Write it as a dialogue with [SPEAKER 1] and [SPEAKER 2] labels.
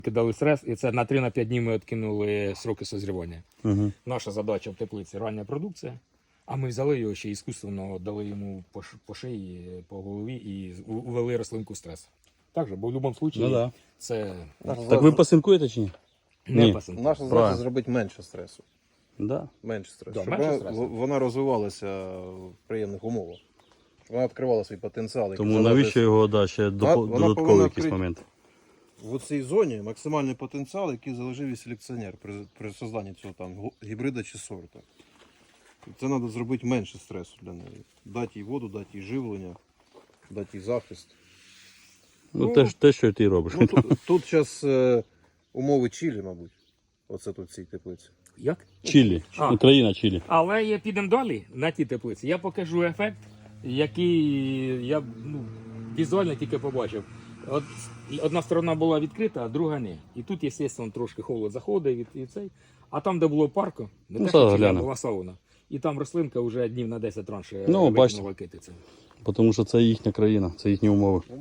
[SPEAKER 1] Кидали стрес, і це на 3-5 днів ми відкинули сроки созрівання.
[SPEAKER 2] Угу.
[SPEAKER 1] Наша задача в теплиці рання продукція, а ми взяли його ще іскусственно, дали йому по шиї, по голові і увели рослинку стрес. Так же, бо в будь-якому випадку
[SPEAKER 2] Ну, да.
[SPEAKER 1] це
[SPEAKER 2] Так ви пасинкуєте чи ні?
[SPEAKER 1] не
[SPEAKER 2] Ні.
[SPEAKER 1] пасинку.
[SPEAKER 3] Наша задача
[SPEAKER 2] Правильно.
[SPEAKER 3] зробити менше стресу.
[SPEAKER 2] Да.
[SPEAKER 3] Менше стресу.
[SPEAKER 1] Да,
[SPEAKER 3] щоб
[SPEAKER 1] менше
[SPEAKER 3] вона,
[SPEAKER 1] стресу.
[SPEAKER 3] вона розвивалася в приємних умовах. Щоб вона відкривала свій потенціал. який
[SPEAKER 2] Тому
[SPEAKER 3] залежить-
[SPEAKER 2] навіщо його ще
[SPEAKER 3] Вона
[SPEAKER 2] додатковий
[SPEAKER 3] повинна
[SPEAKER 2] якийсь
[SPEAKER 3] відкрити-
[SPEAKER 2] момент?
[SPEAKER 3] В цій зоні максимальний потенціал, який залежив і селекціонер при созданні цього там гібрида чи сорту. Це треба зробити менше стресу для неї. Дати їй воду, дати їй живлення, дати їй захист.
[SPEAKER 2] Ну,
[SPEAKER 3] Ну,
[SPEAKER 2] те, що ти робиш.
[SPEAKER 3] Ну, тут зараз умови Чилі, мабуть. Оце тут в цій теплиці.
[SPEAKER 1] Як?
[SPEAKER 2] Чилі.
[SPEAKER 1] А.
[SPEAKER 2] Україна, Чилі.
[SPEAKER 1] Але я підемо далі на ті теплиці. Я покажу ефект, який я візуально тільки побачив. От одна сторона була відкрита, а друга ні. І тут, звісно, трошки холод заходить і цей. А там, де було парко, не
[SPEAKER 2] Ну,
[SPEAKER 1] те, що
[SPEAKER 2] зараз
[SPEAKER 1] Чиля,
[SPEAKER 2] глянемо.
[SPEAKER 1] була сауна. І там рослинка вже днів на 10 раніше
[SPEAKER 2] Ну, бачите.
[SPEAKER 1] викинула китицю.
[SPEAKER 2] Тому що це їхня країна, це їхні умови.